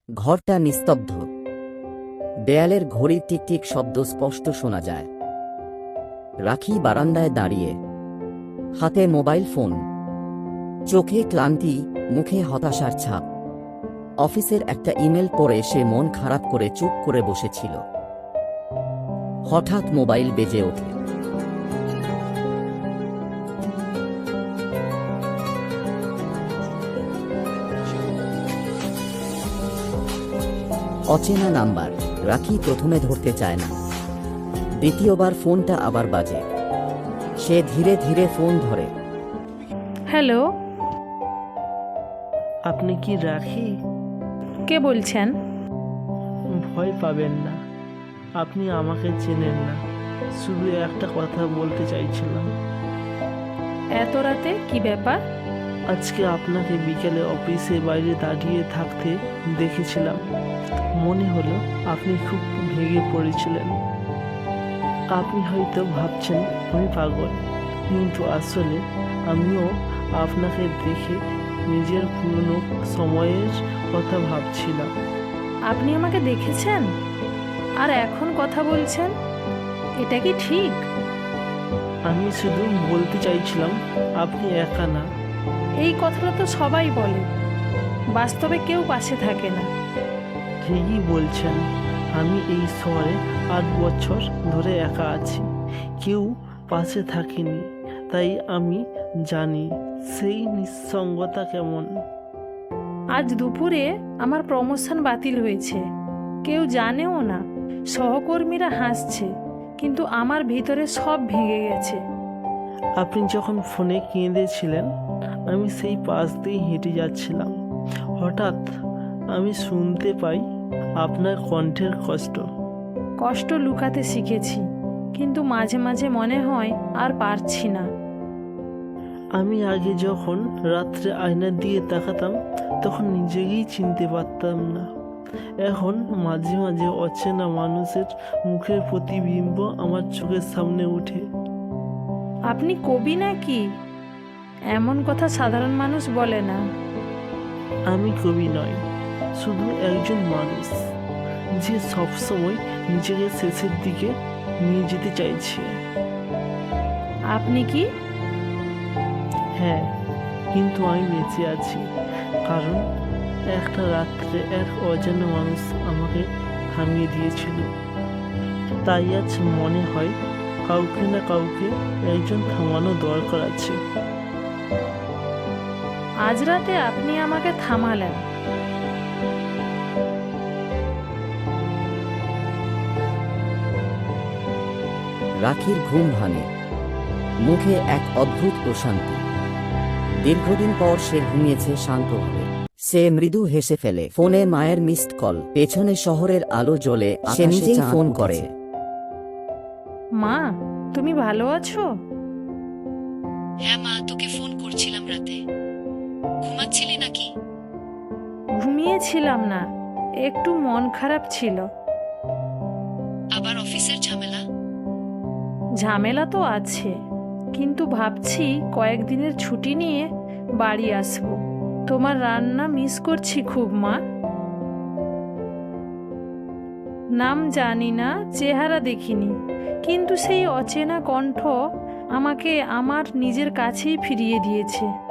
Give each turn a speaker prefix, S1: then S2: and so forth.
S1: ঘরটা নিস্তব্ধ। দেয়ালের ঘড়ির টিকটিক শব্দ স্পষ্ট শোনা যায়। রাখি বারান্দায় দাঁড়িয়ে, হাতে মোবাইল ফোন, চোখে ক্লান্তি, মুখে হতাশার ছাপ। অফিসের একটা ইমেল পড়ে সে মন খারাপ করে চুপ করে বসেছিল। হঠাৎ মোবাইল বেজে ওঠে। অচেনা নাম্বার। রাখি প্রথমে ধরতে চায় না। দ্বিতীয়বার ফোনটা আবার বাজে। সে ধীরে ধীরে ফোন ধরে।
S2: হ্যালো,
S3: আপনি কি রাখি?
S2: কে বলছেন?
S3: ভয় পাবেন না, আপনি আমাকে চেনেন না। শুধু একটা কথা বলতে চাইছিলাম।
S2: এত রাতে কি ব্যাপার?
S3: আজকে আপনাকে বিকেলে অফিসে বাইরে দাঁড়িয়ে থাকতে দেখেছিলাম। মনে হলো আপনি খুব ভেঙে পড়েছিলেন। আপনি হয়তো ভাবছেন আমি পাগল, কিন্তু আসলে আমিও আপনাকে দেখে নিজের পুরনো সময়ের কথা ভাবছিলাম।
S2: আপনি আমাকে দেখেছেন আর এখন কথা বলছেন? এটা কি ঠিক?
S3: আমি শুধু বলতে চাইছিলাম আপনি একা না।
S2: এই কথাটা তো সবাই বলে, বাস্তবে কেউ পাশে থাকে না।
S3: ঠিকই বলছেন। আমি এই শহরে 8 বছর ধরে একা আছি, কেউ পাশে থাকেনি। তাই আমি জানি সেই নিঃসঙ্গতা কেমন।
S2: আজ দুপুরে আমার প্রমোশন বাতিল হয়েছে, কেউ জানেও না। সহকর্মীরা হাসছে, কিন্তু আমার ভিতরে সব ভেঙে গেছে।
S3: আপনি যখন ফোনে কেঁদেছিলেন, আমি সেই পাশ দিয়ে হেঁটে যাচ্ছিলাম। হঠাৎ আমি শুনতে পাই আপনার কণ্ঠের কষ্ট।
S2: কষ্ট লুকাতে শিখেছি, কিন্তু মাঝে মাঝে মনে হয় আর পারছি না।
S3: আমি আগে যখন রাত্রে আয়না দিয়ে তাকাতাম, তখন নিজেকেই চিনতে পারতাম না। এখন মাঝে মাঝে অচেনা মানুষের মুখের প্রতিবিম্ব আমার চোখের সামনে ওঠে।
S2: আপনি কবি নাকি? এমন কথা সাধারণ মানুষ বলে না।
S3: আমি কবি নয়, শুধু একজন মানুষ যে সবসময় নিজেকে শেষের দিকে নিয়ে যেতে চাইছে।
S2: আপনি কি?
S3: হ্যাঁ, কিন্তু আমি বেঁচে আছি কারণ একটা রাত্রে এক অজানা মানুষ আমাকে থামিয়ে দিয়েছিল। তাই আজ মনে হয় কাউকে না কাউকে একজন থামানো দরকার আছে।
S2: আজ রাতে আপনি আমাকে থামালেন।
S1: রাখির ঘুম ভাঙে। মুখে এক অদ্ভুত প্রশান্তি। দীর্ঘদিন পর সে ঘুমিয়েছে শান্তভাবে। সে মৃদু হেসে ফেলে। ফোনে মায়ের মিসড কল। পেছনে শহরের আলো জ্বলে। সে নিজেই ফোন করে।
S2: মা, তুমি ভালো আছো?
S4: হ্যাঁ মা, তোকে ফোন করছিলাম রাতে। ঘুমাচ্ছিলি নাকি?
S2: ঘুমিয়েছিলাম না, একটু মন খারাপ ছিল।
S4: আবার অফিসের ঝামেলা?
S2: ঝামেলা তো আছে, কিন্তু ভাবছি কয়েকদিনের ছুটি নিয়ে বাড়ি আসবো। তোমার রান্না মিস করছি খুব মা। নাম জানি না, চেহারা দেখিনি, কিন্তু সেই অচেনা কণ্ঠ আমাকে আমার নিজের কাছেই ফিরিয়ে দিয়েছে।